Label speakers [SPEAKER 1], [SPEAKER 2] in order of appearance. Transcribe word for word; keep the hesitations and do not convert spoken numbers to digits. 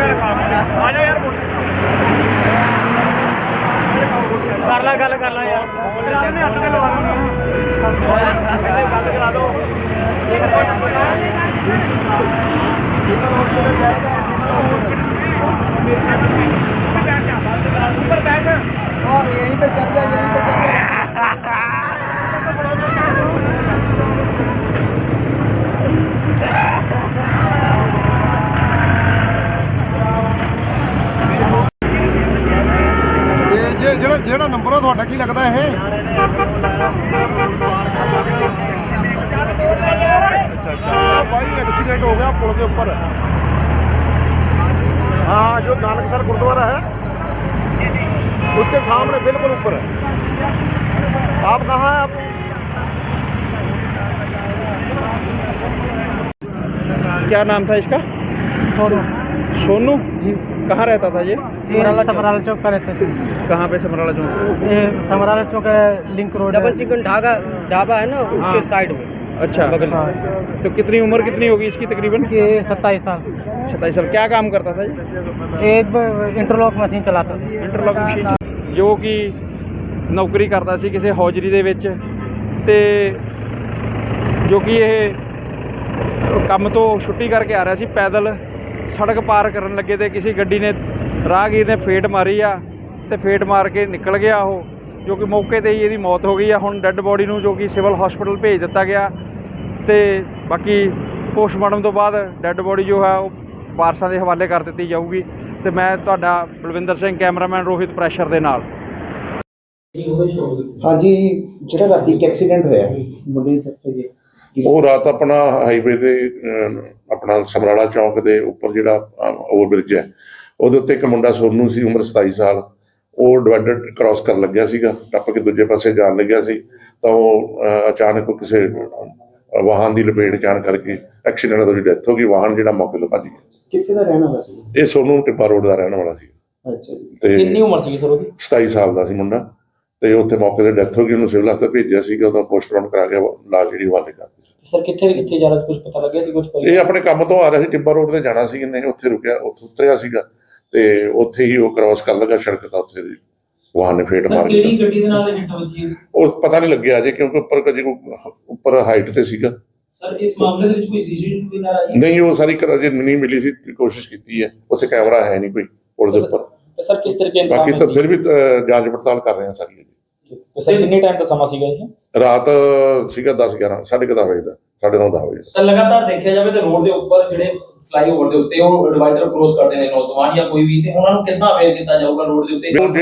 [SPEAKER 1] कर ला गल कर ला यार गल करा दो ऊपर बैठ और यहीं पे चल जा यहीं पे चल जा
[SPEAKER 2] ਜਿਹੜਾ ਜਿਹੜਾ ਨੰਬਰ ਆ ਤੁਹਾਡਾ ਕੀ ਲੱਗਦਾ ਇਹ अच्छा अच्छा भाई एक्सीडेंट हो गया पुल के ऊपर हाँ जो नानकसर गुरुद्वारा है उसके सामने बिल्कुल ऊपर है आप कहाँ हैं आप
[SPEAKER 1] क्या नाम था इसका
[SPEAKER 3] सोनू
[SPEAKER 1] सोनू
[SPEAKER 3] जी
[SPEAKER 1] कहाँ रहता था ये
[SPEAKER 3] ये समराला चौक पर रहते थे
[SPEAKER 1] कहाँ पे समराला चौक
[SPEAKER 3] ये समराला चौक है link road
[SPEAKER 4] double chicken dhaba dhaba है ना उसके साइड में
[SPEAKER 1] अच्छा
[SPEAKER 4] बगल में।
[SPEAKER 3] हाँ,
[SPEAKER 1] तो कितनी उम्र कितनी होगी इसकी तकरीबन
[SPEAKER 3] ये सत्ताईस साल
[SPEAKER 1] सत्ताईस साल क्या काम करता था ये
[SPEAKER 3] एक इंटरलॉक मशीन चलाता था
[SPEAKER 1] ਇੰਟਰਲੌਕ ਮਸ਼ੀਨ ਜੋ ਕਿ ਨੌਕਰੀ ਕਰਦਾ ਸੀ ਕਿਸੇ ਹੌਜਰੀ ਦੇ ਵਿੱਚ ਤੇ ਜੋ ਕਿ ਇਹ ਕੰਮ ਤੋਂ ਛੁੱਟੀ ਕਰਕੇ ਆ ਰਿਹਾ ਸੀ ਪੈਦਲ ਸੜਕ ਪਾਰ ਕਰਨ ਲੱਗੇ ਤੇ ਕਿਸੇ ਗੱਡੀ ਨੇ ਰਾਹਗੀਰ ਨੇ ਫੇਟ ਮਾਰੀ ਆ ਤੇ ਫੇਟ ਮਾਰ ਕੇ ਨਿਕਲ ਗਿਆ ਉਹ ਜੋ ਕਿ ਮੌਕੇ ਤੇ ਹੀ ਇਹਦੀ ਮੌਤ ਹੋ ਗਈ ਆ ਹੁਣ ਡੈੱਡ ਬੋਡੀ ਨੂੰ ਜੋ ਕਿ ਸਿਵਲ ਹਸਪੀਟਲ ਭੇਜ ਦਿੱਤਾ ਗਿਆ ਤੇ ਬਾਕੀ ਪੋਸਟਮਾਰਟਮ ਤੋਂ ਬਾਅਦ ਡੈੱਡ ਬੋਡੀ ਜੋ ਹੈ ਉਹ ਵਾਰਸਾਂ ਦੇ ਹਵਾਲੇ ਕਰ ਦਿੱਤੀ ਜਾਊਗੀ ਤੇ ਮੈਂ ਤੁਹਾਡਾ ਬਲਵਿੰਦਰ ਸਿੰਘ ਕੈਮਰਾਮੈਨ ਰੋਹਿਤ ਪ੍ਰੈਸ਼ਰ ਦੇ ਨਾਲ
[SPEAKER 5] ਹਾਂਜੀ ਜਿਹੜਾ ਰਾਤੀ ਇੱਕ ਐਕਸੀਡੈਂਟ ਹੋਇਆ ਮੁੰਡੇ ਦੀ
[SPEAKER 6] ਉਹ ਰਾਤ ਆਪਣਾ ਹਾਈਵੇ ਦੇ ਅਹ, ਆਪਣਾ ਸਮਰਾਲਾ ਚੌਂਕ ਦੇ ਉੱਪਰ ਜਿਹੜਾ ਓਵਰਬ੍ਰਿਜ ਹੈ ਉਹਦੇ ਉੱਤੇ ਇੱਕ ਮੁੰਡਾ ਸੋਨੂ ਸੀ ਉਮਰ ਸਤਾਈ ਸਾਲ ਉਹ ਡਿਵਾਈਡਰ ਕ੍ਰਾਸ ਕਰਨ ਲੱਗਿਆ ਸੀਗਾ ਟੱਪ ਕੇ ਦੂਜੇ ਪਾਸੇ ਜਾਣ ਲੱਗਿਆ ਸੀ ਤਾਂ ਉਹ ਅਹ, ਅਚਾਨਕ ਉਹ ਕਿਸੇ ਅਹ, ਵਾਹਨ ਦੀ ਲਪੇਟ ਜਾਣ ਕਰਕੇ ਐਕਸੀਡੈਂਟ ਉਹਦੀ ਡੈਥ ਹੋ ਗਈ ਵਾਹਨ ਜਿਹੜਾ ਮੌਕੇ ਤੋਂ ਭੱਜ ਗਿਆ
[SPEAKER 5] ਕਿੱਥੇ ਦਾ ਰਹਿਣ ਵਾਲਾ ਸੀ?
[SPEAKER 6] ਇਹ ਸੋਨੂ ਟਿੱਬਾ ਰੋਡ ਦਾ ਰਹਿਣ ਵਾਲਾ ਸੀ
[SPEAKER 5] ਅੱਛਾ ਜੀ
[SPEAKER 6] ਤੇ
[SPEAKER 4] ਕਿੰਨੀ ਉਮਰ ਸੀ ਸਰ ਉਹਦੀ
[SPEAKER 6] ਸਤਾਈ ਸਾਲ ਦਾ ਸੀ ਮੁੰਡਾ ਤੇ ਉੱਥੇ ਮੌਕੇ ਤੇ ਡੈਥ ਹੋ ਗਈ ਉਹਨੂੰ ਸਿਵਲ ਹਸਪਤਾਲ ਭੇਜਿਆ ਸੀਗਾ ਉਹਦਾ ਪੋਸਟਮਾਰਟਮ ਕਰਾ ਕੇ ਲਾਸ਼ ਜਿਹੜੀ ਹਵਾਲੇ ਕਰ ਦਿੱਤੀ
[SPEAKER 4] ਸਰ ਕਿੱਥੇ ਕਿੱਥੇ ਜਾ ਰਿਹਾ ਸੀ ਕੁਝ ਪਤਾ ਲੱਗਿਆ ਸੀ ਕੁਝ
[SPEAKER 6] ਇਹ ਆਪਣੇ ਕੰਮ ਤੋਂ ਆ ਰਿਹਾ ਸੀ ਟਿੱਬਾ ਰੋਡ ਤੇ ਜਾਣਾ ਸੀ ਨਹੀਂ ਉੱਥੇ ਰੁਕਿਆ ਉੱਥੇ ਉਤਰਿਆ ਸੀਗਾ ਤੇ ਉੱਥੇ ਹੀ ਉਹ ਕ੍ਰਾਸ ਕਰ ਲੱਗਾ ਸੜਕ ਤਾਂ ਉੱਥੇ ਦੀ ਵਾਹਨ ਨੇ ਫੇਟ ਮਾਰ
[SPEAKER 4] ਕਿਹੜੀ ਗੱਡੀ ਦੇ ਨਾਲ ਹਿੱਟ ਵੱਜੀ ਹੈ
[SPEAKER 6] ਉਹ ਪਤਾ ਨਹੀਂ ਲੱਗਿਆ ਅਜੇ ਕਿਉਂਕਿ ਉੱਪਰ ਕਦੇ ਕੋਈ ਉੱਪਰ ਹਾਈਟ ਤੇ ਸੀਗਾ
[SPEAKER 4] ਸਰ ਇਸ ਮਾਮਲੇ ਦੇ ਵਿੱਚ ਕੋਈ ਸੀਸੀਟੀਵੀ ਨਾ ਆਈ
[SPEAKER 6] ਨਹੀਂ ਉਹ ਸਾਰੀ ਕਰ ਅਜੇ ਨਹੀਂ ਮਿਲੀ ਸੀ ਕੋਸ਼ਿਸ਼ ਕੀਤੀ ਹੈ ਉੱਥੇ ਕੈਮਰਾ ਹੈ ਨਹੀਂ ਕੋਈ ਪੁਲ ਦੇ ਉੱਪਰ
[SPEAKER 4] ਸਰ ਕਿਸ ਤਰੀਕੇ ਨਾਲ
[SPEAKER 6] ਬਾਕੀ ਤਾਂ ਫਿਰ ਵੀ ਅਹ, ਜਾਂਚ ਪੜਤਾਲ ਕਰ ਰਹੇ ਹਾਂ ਸਾਰੀ
[SPEAKER 4] ਸਰ ਕਿੰਨੇ ਟਾਈਮ ਦਾ ਸਮਾਂ ਸੀਗਾ ਇਹ
[SPEAKER 6] ਰਾਤ ਸੀਗਾ ਦਸ ਗਿਆਰਾਂ ਸਾਢੇ ਕੁ ਦਸ ਵਜੇ ਦਾ ਸਾਢੇ ਨੌ ਦਸ ਵਜੇ ਦਾ।
[SPEAKER 7] ਸਰ ਲਗਾਤਾਰ ਦੇਖਿਆ ਜਾਵੇ ਤਾਂ ਰੋਡ ਦੇ ਉੱਪਰ ਜਿਹੜੇ ਫਲਾਈਓਵਰ ਦੇ ਉੱਤੇ ਉਹ ਡਿਵਾਈਡਰ ਕ੍ਰੋਸ ਕਰਦੇ ਨੇ ਨੌਜਵਾਨ ਜਾਂ ਕੋਈ ਵੀ ਤੇ ਉਹਨਾਂ ਨੂੰ ਕਿੱਦਾਂ ਅਵੇਅਰ ਕੀਤਾ ਜਾਊਗਾ ਰੋਡ ਦੇ ਉੱਤੇ
[SPEAKER 6] ਉਹ